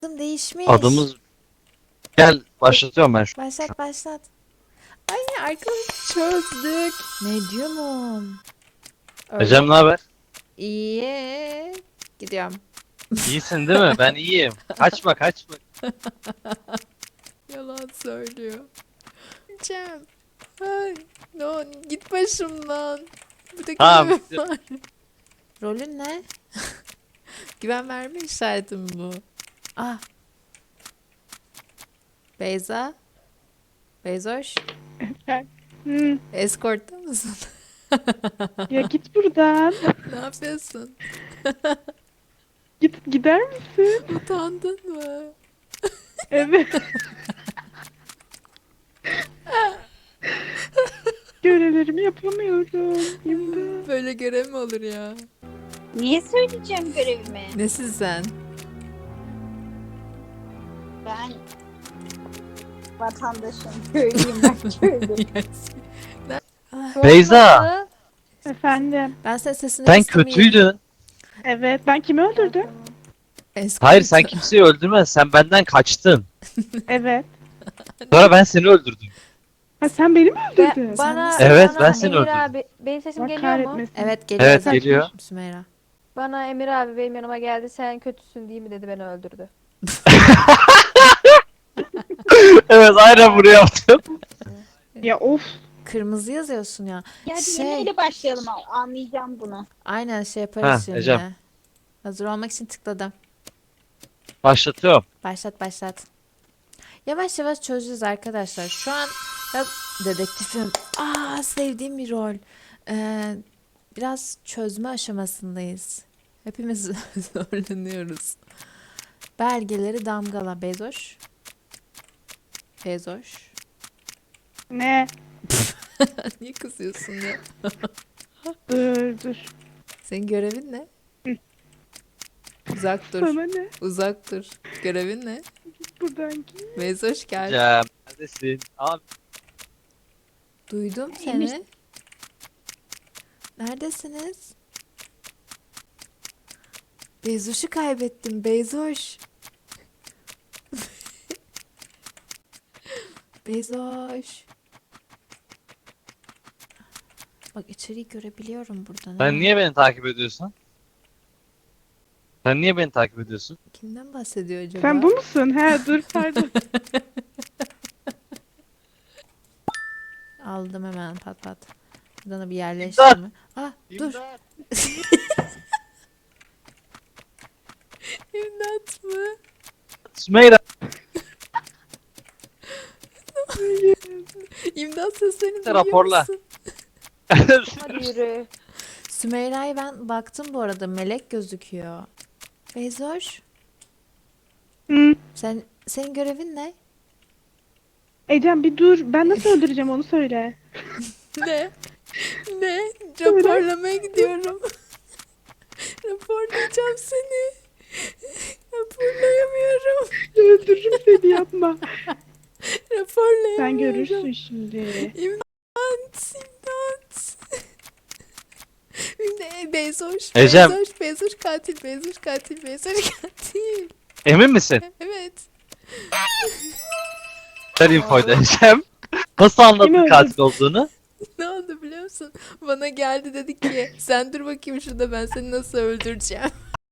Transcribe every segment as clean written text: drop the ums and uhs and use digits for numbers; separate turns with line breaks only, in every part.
Adım değişmiş.
Adımız... Gel başlatıyorum ben şu.
Başlat başlat. Ay arkadaş çözdük. Medium'um. Öyle
Ecem ne
mi?
haber?
İyi. Gidiyorum.
İyisin değil mi? Ben iyiyim. Kaçma kaçma.
Yalan söylüyor. Cem. Ay, no, git başımdan. Burada
Tamam.
görevim var. Rolün ne? Güven verme işareti mi bu? Ah. Beyza. Beyzoş.
Hı,
Escort'ta mısın?
ya git buradan.
Ne yapıyorsun?
Gider misin?
Utandın mı?
Evet. Görevlerimi yapamıyorum. İmdat.
Böyle görev mi olur ya?
Niye söyleyeceğim görevimi?
Nesin sen?
Ben vatandaşım, köylüyüm ben köylü.
Beyza.
Efendim.
Ben senin sesini
Sen
istemeyeyim.
kötüydün.
Evet. Ben kimi öldürdüm?
Escort.
Hayır sen kimseyi öldürmedin. Sen benden kaçtın.
Evet.
Sonra ben seni öldürdüm.
Ha sen beni mi öldürdün?
Bana-
Evet,
bana
ben seni
Emir
öldürdüm.
abi benim sesim
Allah
geliyor mu?
kahretmesin.
Evet geliyor
Evet
zaten.
geliyor.
Sümeyra.
Bana Emir abi benim yanıma geldi. Sen kötüsün değil mi dedi, beni öldürdü.
Evet aynen bunu yaptım.
Ya of.
Kırmızı yazıyorsun ya.
Ya hadi
Şey-
yemeğiyle başlayalım, anlayacağım bunu.
Aynen şey yaparız
Ha,
şimdi.
Ecem.
Hazır olmak için tıkladım.
Başlatıyorum.
Başlat başlat. Yavaş yavaş çözeceğiz arkadaşlar. Şu an ya, dedektifim. Sevdiğim bir rol. Biraz çözme aşamasındayız. Hepimiz zorlanıyoruz. Belgeleri damgala. Bezoş. Bezoş.
Ne?
Niye kızıyorsun ya?
Dur.
Senin görevin ne?
Hı.
Uzak dur.
Sana ne?
Uzak dur. Görevin ne?
Buradan git.
Bezoş gel.
Ecem. Neredesin? Abi.
Duydum seni. Neredesiniz? Bezoş'u kaybettim. Bezoş. Bezoş. Bak içeriği görebiliyorum buradan.
Sen
ha.
niye beni takip ediyorsun? Sen niye beni takip ediyorsun?
Kimden bahsediyor acaba?
Sen bu musun? He dur pardon.
Aldım hemen pat pat. Buradan da bir yerleştirme. Dur. İmdat mı?
Sümeyra.
İmdat seslerini duyuyor
Raporla.
musun?
Hadi yürü.
Sümeyra'ya ben baktım bu arada. Melek gözüküyor. Bezoş.
Hı.
Senin görevin ne?
Ecem bir dur. Ben nasıl öldüreceğim onu söyle.
Ne? Ne? Raporlamaya gidiyorum. Raporlayacağım seni. Raporlayamıyorum.
Öldürürüm seni yapma.
Raporlayamıyorum.
Sen görürsün şimdi.
İmdat, imdat. Bezoş,
Ecem.
Bezoş katil, Bezoş katil, Bezoş katil.
Emin misin?
Evet.
Ver infoyu da Ecem. Nasıl anladın
Kimi
katil olduğunu?
Ne oldu biliyor musun? Bana geldi dedi ki sen dur bakayım şurada ben seni nasıl öldüreceğim.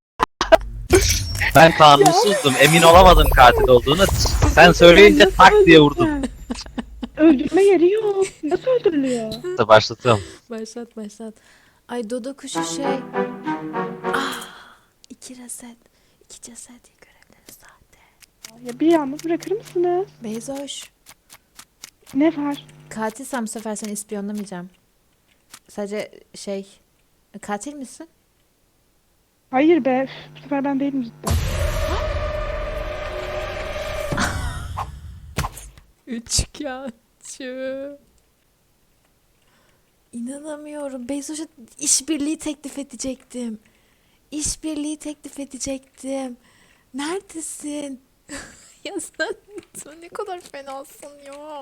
Ben kanunsuzdum. Emin olamadım katil olduğunu. Sen söyleyince
Nasıl
tak diye vurdum.
öldüreceksin? Öldürme yeri yok. Nasıl öldürülüyor?
Başlatıyorum.
Başlat başlat. Ay dodo kuşu şey. İki reset. İki ceset görevleri sahte.
Ya bir yalnız bırakır mısınız?
Bezoş.
Ne var?
Katilsem bu sefer seni ispiyonlamayacağım. Sadece şey. Katil misin?
Hayır be. Üf, bu sefer ben değilim cidden.
Üçkağıtçı. İnanamıyorum. Bezoş'a işbirliği teklif edecektim. İşbirliği teklif edecektim. Neredesin? Ya sen ne kadar fenasın ya.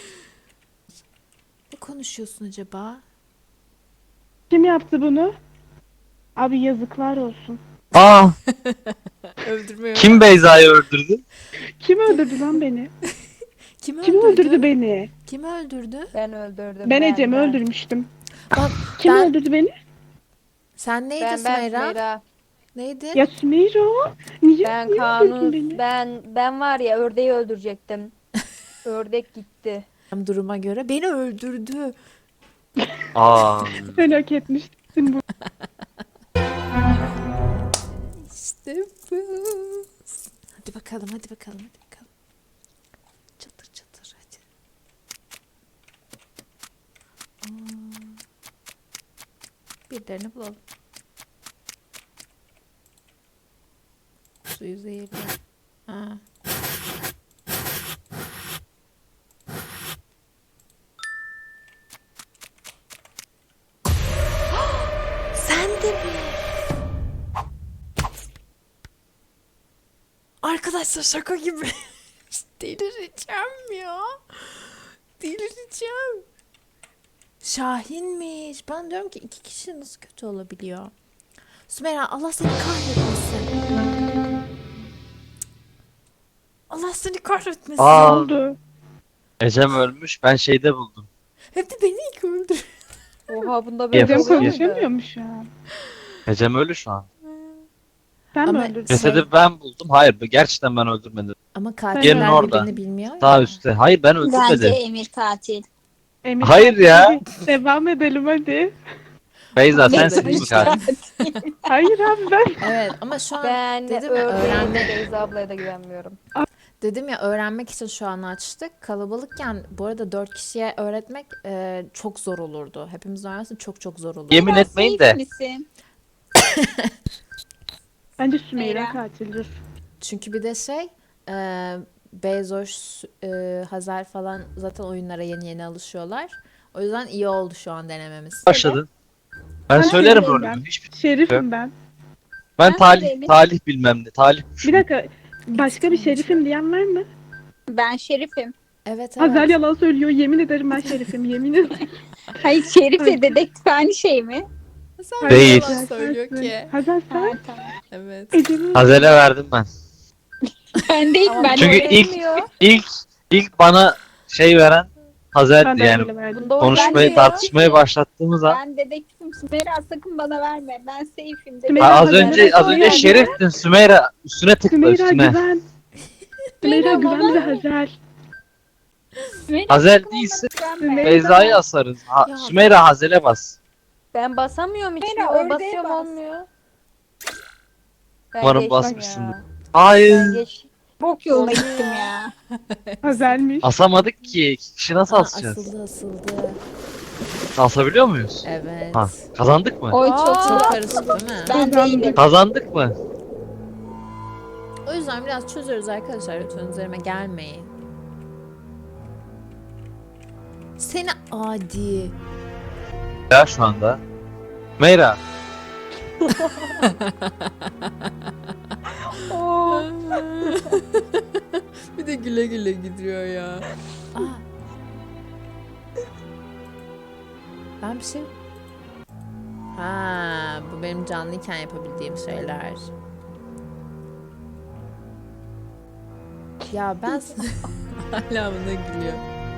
Ne konuşuyorsun acaba?
Kim yaptı bunu? Abi yazıklar olsun.
Aa,
Öldürmüyor.
kim Beyza'yı öldürdü?
Kim öldürdü lan beni?
Kim
Kim öldürdü beni?
Kim öldürdü?
Ben öldürdüm.
Ben Ecem'i
ben.
öldürmüştüm.
Bak
Kim
ben...
öldürdü beni?
Sen neydi
Ben
Sümeyra?
Sümeyra.
Neydi?
Ya Sümeyra. Niye,
Ben
niye öldürdün beni?
ben var ya ördeği öldürecektim. Ördek gitti.
Duruma göre beni öldürdü.
Aa,
Sen hak etmişsin bu.
İşte bu. Hadi bakalım, hadi bakalım, hadi bakalım. Çatır çatır hadi. Birilerini bulalım. Suyu zehirli. Ha. Sen de mi? Arkadaşlar şaka gibi. Delireceğim ya. Delireceğim. Şahinmiş. Ben diyorum ki 2 kişi nasıl kötü olabiliyor? Sümeyra Allah seni kahretmesin. Allah seni kahretmesin.
Ne
Aa.
oldu?
Ecem ölmüş. Ben şeyde buldum.
Hep de beni ilk öldür.
Oha bunda böyle
Ecem
Yes,
oluyor
yes.
muydu?
konuşamıyor mu şu an?
Ecem ölü şu an.
Sen
Ama-
mi öldürdün?
Cesedi ben buldum. Hayır, gerçekten ben öldürmedim.
Ama
Yerin
katiller
orada.
birbirini bilmiyor
Sağ
ya.
üstte. Hayır, ben
Bence
öldürmedim.
Emir katil.
Emir,
Hayır ya.
Devam edelim hadi.
Beyza
Ben
sensin
de
değil mi
işte.
katil?
Hayır abi ben.
Evet ama şu an
Ben
dedim ya
ördeğe de
öğrenmek
Beyza ablaya da güvenmiyorum.
dedim ya öğrenmek için şu an açtık. Kalabalıkken bu arada 4 kişiye öğretmek çok zor olurdu. Hepimiz öğrensin çok çok zor olurdu.
Yemin
Biraz
etmeyin
safe
de.
misin?
Bence Sümeyra
Sümeyra.
katildir.
Çünkü bir de Bezos, Hazar falan zaten oyunlara yeni yeni alışıyorlar. O yüzden iyi oldu şu an denememiz.
Başladın. Ben
Ben
söylerim
söyleyeyim
rolümü.
ben.
Hiçbir...
Şerifim ben.
Ben
Ben
talih
söyleyeyim.
talih bilmem ne. Talih
Bir dakika. Başka bir şerifim diyen var mı?
Ben şerifim.
Evet
Hazal
evet.
yalan söylüyor. Yemin ederim ben şerifim. Yemin ederim.
Hayır şerifle dedektif aynı şey mi?
Sen
Değil.
yalan söylüyor ki.
Hazal
Ha,
sen.
tamam.
Evet.
Ecem'i
Hazel'e verdim ben.
Ben değil ben.
Çünkü
Oy
ilk-
vermiyor.
İlk bana şey veren
ben
Hazel'di
de
yani.
öyle verdim.
Bunda oy
Konuşmayı,
vermiyor.
tartışmayı başlattığımız an.
Ben dedektifim. Sümeyra sakın bana verme. Ben safe'im.
Sümeyra,
Az
Hazel'e
önce
söyledi.
şeriftin Sümeyra, üstüne tıkla
Sümeyra
üstüne.
güven. Sümeyra güven
bana-
ve Hazel.
Sümeyra,
Hazel
sakın
değilse
bana güvenme.
Sümeyra-
Beyza'yı asarız.
Ya.
Sümeyra Hazel'e bas.
Ben basamıyorum hiç.
Sümeyra,
O
ördeğe
basıyorum
bas.
olmuyor. Ben
Umarım
geçtim
basmışsındır.
ya.
Hayır.
Ben geç.
Bok yoluna
Oluyor.
gittim ya.
Hazel'miş.
Asamadık ki. İki kişi nasıl
Aa,
asacağız?
asıldı.
Asabiliyor muyuz?
Evet.
Ha, kazandık mı?
Oy
Aa.
çok
Çok
çok.
karışık değil mi?
Ben değilim.
Kazandık mı?
O yüzden biraz çözüyoruz arkadaşlar. Lütfen üzerime gelmeyin. Seni adi.
Ya şu anda. Meyra.
Bir de güle güle gidiyor ya. Aa. Ben bir şey... Ha, bu benim canlıyken yapabildiğim şeyler. Ya ben hala buna gülüyor.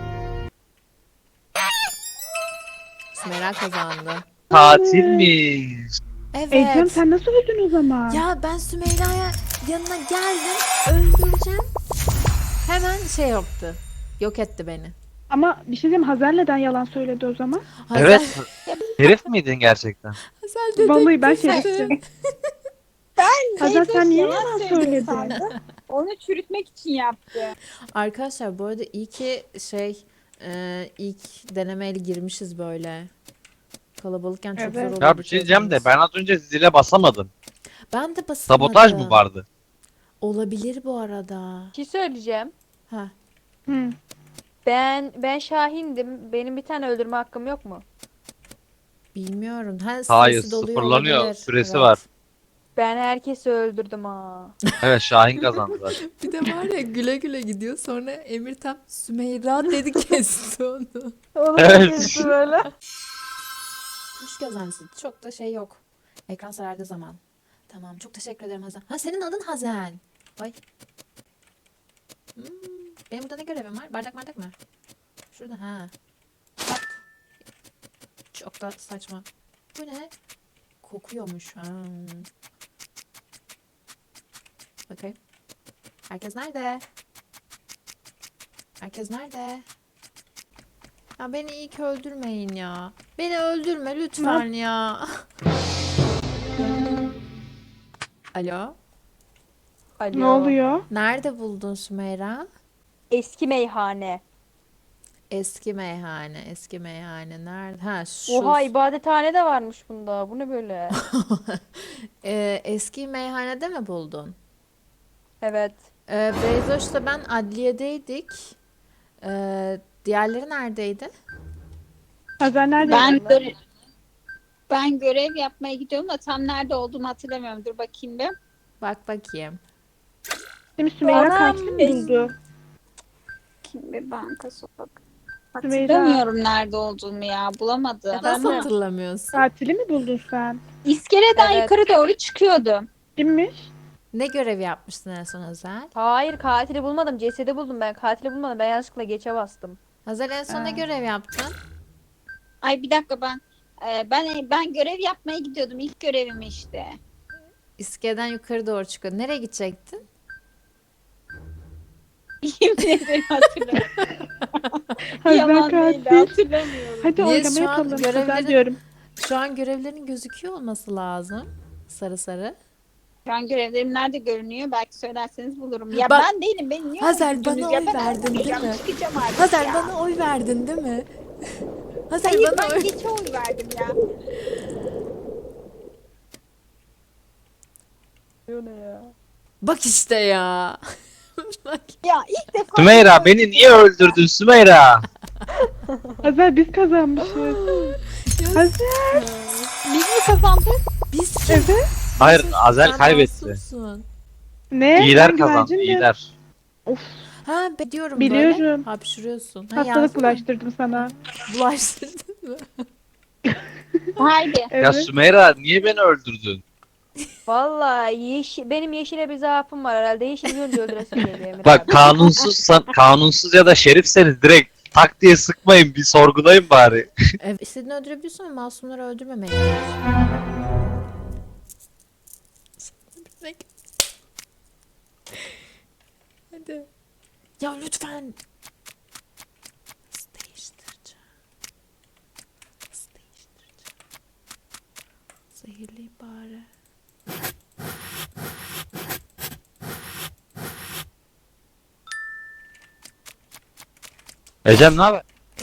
Sümeyra kazandı.
Tatilmiş.
Evet.
Ecem sen nasıl öldün o zaman?
Ya ben Sümeyra'ya yanına geldim, öldüreceğim. Hemen şey yaptı. Yok etti beni.
Ama bir şey diyeyim Hazel neden yalan söyledi o zaman?
Hazel,
Evet. Herif miydin gerçekten?
Hazel
Vallahi ben
dedektifti.
şeriftim.
Ben
Hazel sen niye
yalan
yalan
söyledi
söyledin?
sandım. Onu çürütmek için yaptı.
Arkadaşlar bu arada iyi ki ilk denemeyle girmişiz böyle. Kalabalıkken çok
Evet.
zor olurdu.
Ya bir şey diyeceğim de
çözmemiz.
ben az önce zile basamadım.
Ben de basamadım.
Sabotaj mı vardı?
Olabilir bu arada.
Bir şey söyleyeceğim.
Ha.
Hı.
Ben Şahin'dim. Benim bir tane öldürme hakkım yok mu?
Bilmiyorum. Ha,
Hayır,
süresi doluyor
sıfırlanıyor.
olabilir.
Süresi
Evet.
var.
Ben herkesi öldürdüm ha.
Evet, Şahin kazandı zaten.
Bir de var ya güle güle gidiyor. Sonra Emir tam Sümeyra dedi kesti onu.
Onu
Evet.
kesti böyle.
Hoş geldiniz. Çok da şey yok. Ekran sarardığı zaman. Tamam, çok teşekkür ederim Hazel. Ha, senin adın Hazel. Ay. Hmm, benim burada ne görevim var? Bardak mı? Şurada ha. Çok da saçma. Bu ne? Kokuyormuş. Ha. Bakayım. Herkes nerede? Herkes nerede? Ya beni ilk öldürmeyin ya. Beni öldürme lütfen ya. Alo?
Alo.
Ne oluyor?
Nerede buldun Sümeyra?
Eski meyhane.
Eski meyhane nerede? Ha, şu.
Oha, ibadethane de varmış bunda. Bu ne böyle?
Eski meyhanede mi buldun?
Evet.
Beyzoş'la ben adliyedeydik. Diğerleri neredeydi?
Hazel nerede?
Ben görev yapmaya gidiyorum da tam nerede olduğumu hatırlamıyorum. Dur bakayım bir.
Bak bakayım.
Şimdi Sümeyra
Anam,
katil mi buldu?
Kim bir banka sokak.
Sümeyra.
Hatırlamıyorum nerede olduğumu ya. Bulamadım.
Nasıl
mi?
hatırlamıyorsun?
Katili mi buldun sen?
İskeleden
Evet.
yukarı doğru çıkıyordum.
Kimmiş?
Ne görev yapmıştın en son Hazel?
Hayır, katili bulmadım. Cesedi buldum ben. Katili bulmadım. Ben yanlışlıkla geçe bastım.
Hazel en son ne görev yaptın?
Ay bir dakika ben görev yapmaya gidiyordum. İlk görevim işte.
İskeleden yukarı doğru çıkıyor. Nereye gidecektin?
Yemin ederim hatırlamıyorum.
Hazel
Yalan değil
katil.
hatırlamıyorum.
Hadi
Niye
oylama
şu an
yapalım.
görevlerin-
Hazel diyorum.
Şu an görevlerin gözüküyor olması lazım. Sarı sarı.
Şu an görevlerim nerede görünüyor? Belki söylerseniz bulurum. Ya
Bak-
ben değilim. Beni niye
Hazel,
öldürdünüz
bana
ya?
oy
Ben
verdin, değil
öldüreceğim,
mi?
çıkacağım artık
Hazel
ya.
bana oy verdin değil mi? Hazel
Hayır
bana
ben
oy...
geçe oy verdim ya.
Bak işte ya. Bak.
Ya ilk defa
Sümeyra beni niye öldürdün Sümeyra?
Hazel biz kazanmışız. Hazel.
biz mi kazandık?
Biz kim?
Evet.
Hayır Azel
Sen
kaybetti.
masumsun.
Ne?
İyiler
Ben
kazandı
güvercindim.
iyiler.
Ha, diyorum böyle.
Biliyorum.
Hapşırıyorsun. Ha,
Hastalık
yazdın mı?
bulaştırdım sana.
Bulaştırdın mı?
Haydi.
Ya
Evet.
Sümeyra niye beni öldürdün?
Vallahi benim yeşile bir zaafım var herhalde. Yeşil görünce öldüresim geliyor Emir
Bak
abi.
kanunsuz ya da şerifseniz direkt tak diye sıkmayın bir sorgulayın bari.
Evet, istediğini öldürebiliyorsun ama masumları öldürmemeyi. Hadi. Ya lütfen. Nasıl değiştireceğim? Nasıl değiştireceğim? Zehirleyeyim bari.
Ecem ne haber?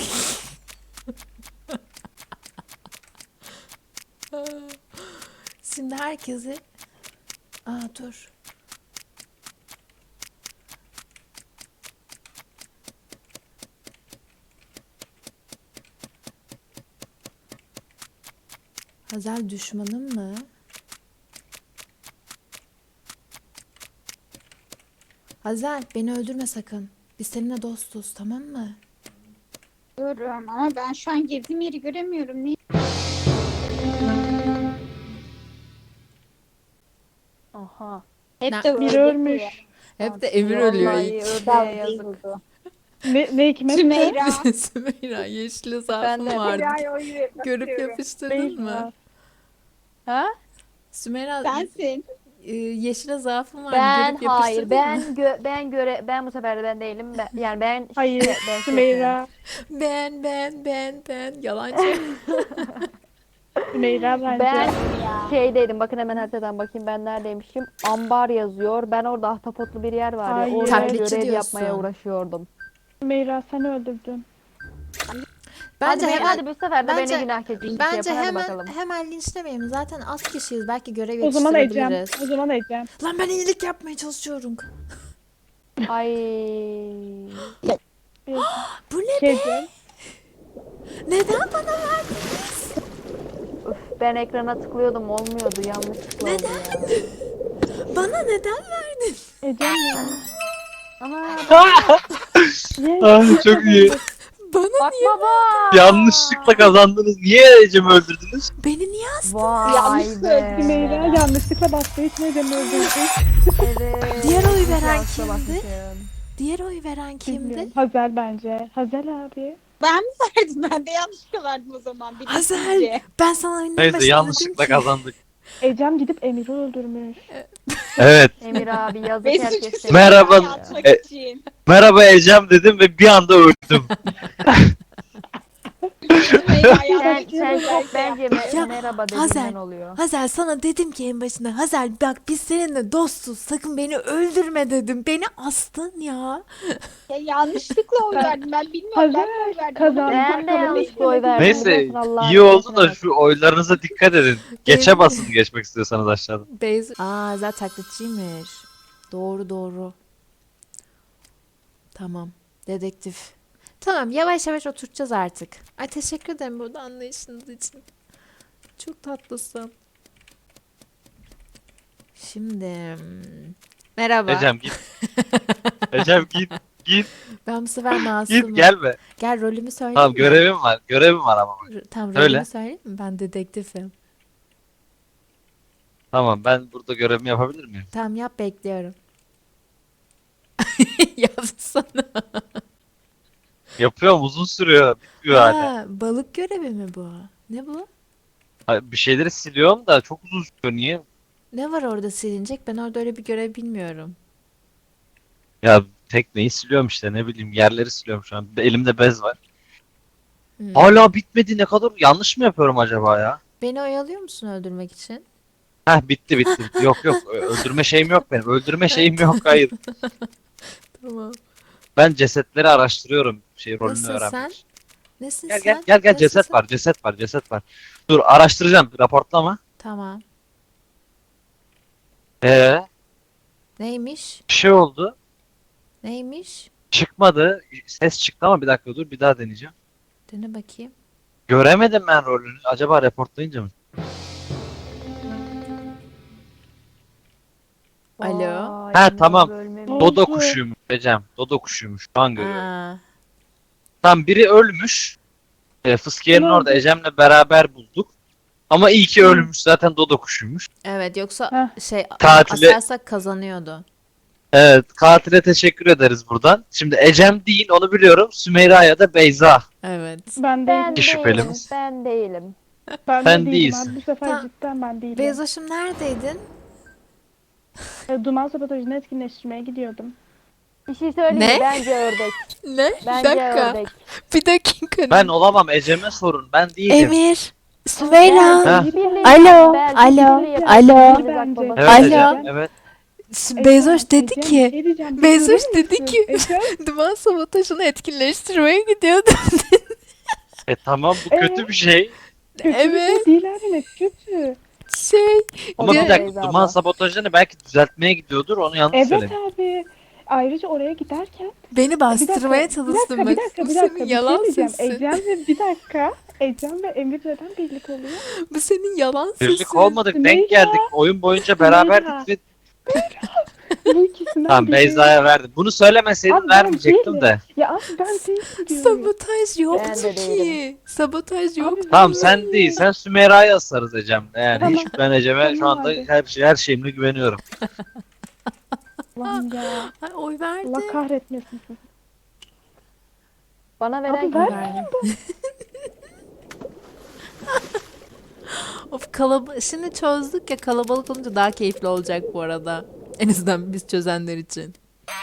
Şimdi herkesi... Aa, dur. Hazel düşmanım mı? Hazel beni öldürme sakın. Biz seninle dostuz, tamam mı?
Görüyorum ama ben şu an girdiğim yeri göremiyorum. Niye?
Aha.
Hep
Ne-
de
Biri
öyle
ölmüş.
Hep de Emir ölüyor
Vallahi
ilk.
ördeğe yazık.
vurdu.
Ne hikmet?
Sümeyra.
Sümeyra yeşil zaafım
Ben de.
vardı.
Sümeyra oy vermek
Görüp
istiyorum.
yapıştırdın mı?
Ha?
Sümeyra
Sensin.
yeşile zaafım vardı.
Ben
Görüp
hayır.
yapıştırdın mı?
Ben bu sefer de ben değilim. Yani ben
Hayır.
ben
Sümeyra.
Ben yalancı.
Sümeyra bence.
Ben
Ya.
şeydeydim. Bakın hemen haritadan bakayım ben neredeymişim. Ambar yazıyor. Ben orada ahtapotlu bir yer var ya.
Hayır.
Orada
Taklitçi
görev
diyorsun.
yapmaya uğraşıyordum.
Sümeyra sen öldürdün.
Bence
hadi,
hemen
hadi bu sefer de
bence-
beni günah keçisi
bence
yapın. Hadi
hemen
bakalım.
hemen linçlemeyelim. Zaten az kişiyiz. Belki görev
O zaman Ecem.
yetiştirebiliriz.
O zaman Ecem.
Lan ben iyilik yapmaya çalışıyorum.
Ay.
Bu ne?
Ecem.
Neden bana verdiniz?
Üf, ben ekrana tıklıyordum olmuyordu. Yanlışlıkla oldu ya.
Bana neden verdin?
Ecem ya.
Ama
Yes.
Ah, çok iyi.
Bana
Bakma bak.
Yanlışlıkla kazandınız. Niye Ecem'i öldürdünüz?
Beni niye astın?
Vay
Yanlış
be.
söyledim
Sümeyra yanlışlıkla bastığı için Ecem'i öldürdü.
Evet.
Diğer oy
İyi ki
veren
yanlışa
kimdi?
bakmışım.
Diğer oy veren kimdi?
Bilmiyorum. Hazel bence. Hazel abi.
Ben mi verdim? Ben de yanlışlıkla verdim o zaman.
Hazel, ben sana oyunun
Neyse
başında
yanlışlıkla
dedim ki.
kazandık.
Ecem gidip Emir'i öldürmüş.
Evet.
Emir abi yazık
Ve
herkes.
suçu
seni
Merhaba.
yapıyor.
atmak
E-
için.
Merhaba Ecem dedim ve bir anda öldüm.
Sen çok bence
Ya,
merhaba
Hazel.
dediğinden oluyor.
Hazel sana dedim ki en başında. Hazel bak biz seninle dostuz. Sakın beni öldürme dedim. Beni astın ya.
Ya yanlışlıkla oy verdim. Ben bilmiyorum.
Hazel,
Ben de oy verdim.
kazan-
Ben de yanlışlıkla oy verdim.
Neyse
Biliyorsun, Allah'ın
iyi oldu
hikmetine
da
bak.
şu oylarınıza dikkat edin. Geçe basın geçmek istiyorsanız aşağıdan.
Aa zaten taklitçiymiş. Doğru doğru. Tamam. Dedektif. Tamam yavaş yavaş oturtacağız artık. Ay teşekkür ederim burada anlayışınız için. Çok tatlısın. Şimdi merhaba.
Ecem git. Ecem git. Git.
Ben bu sefer masumum.
Git gelme.
Gel rolümü söyleyeyim
Tamam
mi?
görevim var. Görevim var ama.
Tamam
Söyle.
rolümü söyleyeyim mi? Ben dedektifim.
Tamam ben burada görevimi yapabilir miyim?
Tamam yap bekliyorum. Yapsana.
Yapıyorum uzun sürüyor. Bitmiyor hala.
Ha, balık görevi mi bu? Ne bu?
Bir şeyleri siliyorum da çok uzun sürüyor. Niye?
Ne var orada silinecek? Ben orada öyle bir görev bilmiyorum.
Ya tekneyi siliyorum işte ne bileyim yerleri siliyorum şu an. Elimde bez var.
Hmm.
Hala bitmedi ne kadar yanlış mı yapıyorum acaba ya?
Beni oyalıyor musun öldürmek için?
Heh bitti. Yok öldürme şeyim yok benim. Öldürme şeyim yok hayır.
Tamam.
Ben cesetleri araştırıyorum rolünü
Nasılsın
öğrenmek
sen?
için.
Nesin
Gel
sen?
gel ceset
Nasılsın?
var ceset var. Dur araştıracağım raportlama.
Tamam. Neymiş?
Bir şey oldu.
Neymiş?
Çıkmadı. Ses çıktı ama bir dakika dur bir daha deneyeceğim.
Dene bakayım.
Göremedim ben rolünü. Acaba reportlayınca mı?
Alo.
Vay,
Ha,
Emir
tamam.
abi ölmemiş.
Oldu.
Dodo kuşuymuş Ecem. Dodo kuşuymuş. Şu an görüyorum.
Aa,
Tam biri ölmüş. Fıskiye'nin
Tamam.
orada Ecem'le beraber bulduk. Ama iyi ki ölmüş. Zaten Dodo kuşuymuş.
evet yoksa
Heh.
şey
Tatile-
asarsak kazanıyordu.
Evet. Katile teşekkür ederiz buradan. Şimdi Ecem değil onu biliyorum. Sümeyra ya da Beyza.
Evet.
Ben
Ben
değilim.
İki şüphelimiz.
değilim. Ben değilim.
Ben
Sen
de değilim
değilsin.
abi. Bu sefer
Tamam.
cidden ben değilim.
Bezoş'um neredeydin?
Duman sabotajını etkinleştirmeye gidiyordum.
Bir şey söyleyeyim
Ne?
mi? Bence ördek.
Ne?
Bence ördek.
Bir dakika.
Ben olamam Ecem'e sorun. Ben değilim.
Emir. Sümeyra.
Ha.
İşbirliği
Alo,
yapın, belki
alo,
işbirliği yapın.
alo.
İkiniz bak baba.
Evet
Alo.
Ecem. Evet.
Bezoş dedi
Ecem,
ki.
bir şey diyeceğim, bir
Bezoş
durur
dedi
musun?
ki.
Ecem,
Duman sabotajını etkinleştirmeye gidiyordum.
Tamam bu kötü bir şey.
kötü bir
Evet.
şey değil abi ne kötü.
Şey.
Ama
Ya-
bir dakika
Beyza
duman
abla.
sabotajını belki düzeltmeye gidiyordur. Onu yanlış
Evet
söyledim.
abi. Ayrıca oraya giderken
Beni bastırmaya
bir
çalıştın
dakika,
bak.
bir dakika,
Bu
bir dakika,
senin
bir şey
yalan
diyeceğim.
sesin.
Ecem ve Emir neden birlik oluyor?
Bu senin yalan sesin.
Birlik olmadık.
Sümeyra.
Denk geldik. Oyun boyunca beraberdik ve
Bu ikisinden
tamam
biri.
Beyza'ya verdim. Bunu söylemeseydin
Abi ben
vermeyecektim
değilim.
de.
Ya abi ben değilim diyorum.
Sabotaj yoktu
Ben de
ki.
değilim.
Sabotaj yoktu.
Abi
Tamam
ben
sen
değilim.
değil. Sen Sümeyra'yı asarız Ecem'le. Yani
Tamam.
hiç ben Ecem'e şu
Tamam
anda
abi.
her şeyimle güveniyorum.
Allah'ım ya.
Ay, oy verdi.
Allah kahretmesin sizi.
Bana veren
Abi
kim?
ver.
Verdim. Of şimdi çözdük ya kalabalık olunca daha keyifli olacak bu arada. En azından biz çözenler için.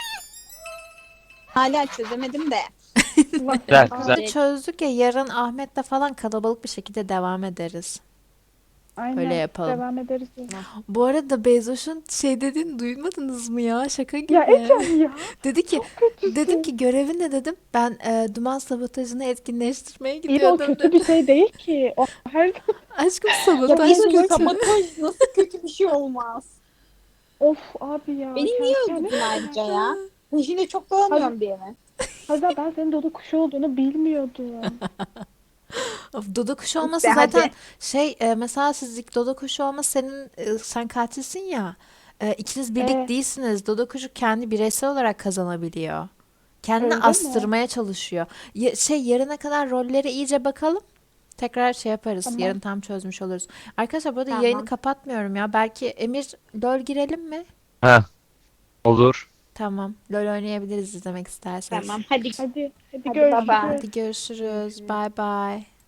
Hala çözemedim de.
Allah
Güzel
kahretsin.
güzel.
Şimdi çözdük ya yarın Ahmet'le falan kalabalık bir şekilde devam ederiz.
Aynen.
Öyle yapalım.
Devam ederiz.
Bu arada Bezoş'un şey dediğini duymadınız mı ya? Şaka gibi.
Ya Ecem ya.
Dedi ki
Kötüsün.
dedim ki görevin ne dedim. Ben duman sabotajını etkinleştirmeye
İyi de o
gidiyordum
kötü
dedim.
bir şey değil ki. O her
Aşkım
Ya
sabotaj
bir
kötü.
sabotaj nasıl kötü bir şey olmaz.
of abi ya.
Beni niye
Kendi-
öldürdün ayrıca ya? Şimdi çok dolanıyorum bir eve.
Hazal ben senin Dodo kuşu olduğunu bilmiyordum.
Of, Dodo kuşu olması
İşte hadi.
zaten mesela sizlik Dodo kuşu olması sen katilsin ya. İkiniz birlik
Evet.
değilsiniz. Dodo kuşu kendi bireysel olarak kazanabiliyor. Kendini
Öyle mi?
astırmaya çalışıyor. Yarına kadar rolleri iyice bakalım. Tekrar şey yaparız.
Tamam.
Yarın tam çözmüş oluruz. Arkadaşlar bu arada
Tamam.
yayını kapatmıyorum ya. Belki Emir LoL girelim mi?
Ha, olur.
Tamam. LoL oynayabiliriz izlemek isterseniz.
Tamam hadi.
Hadi
Hadi
görüşürüz.
baba.
Hadi görüşürüz. Bye bye.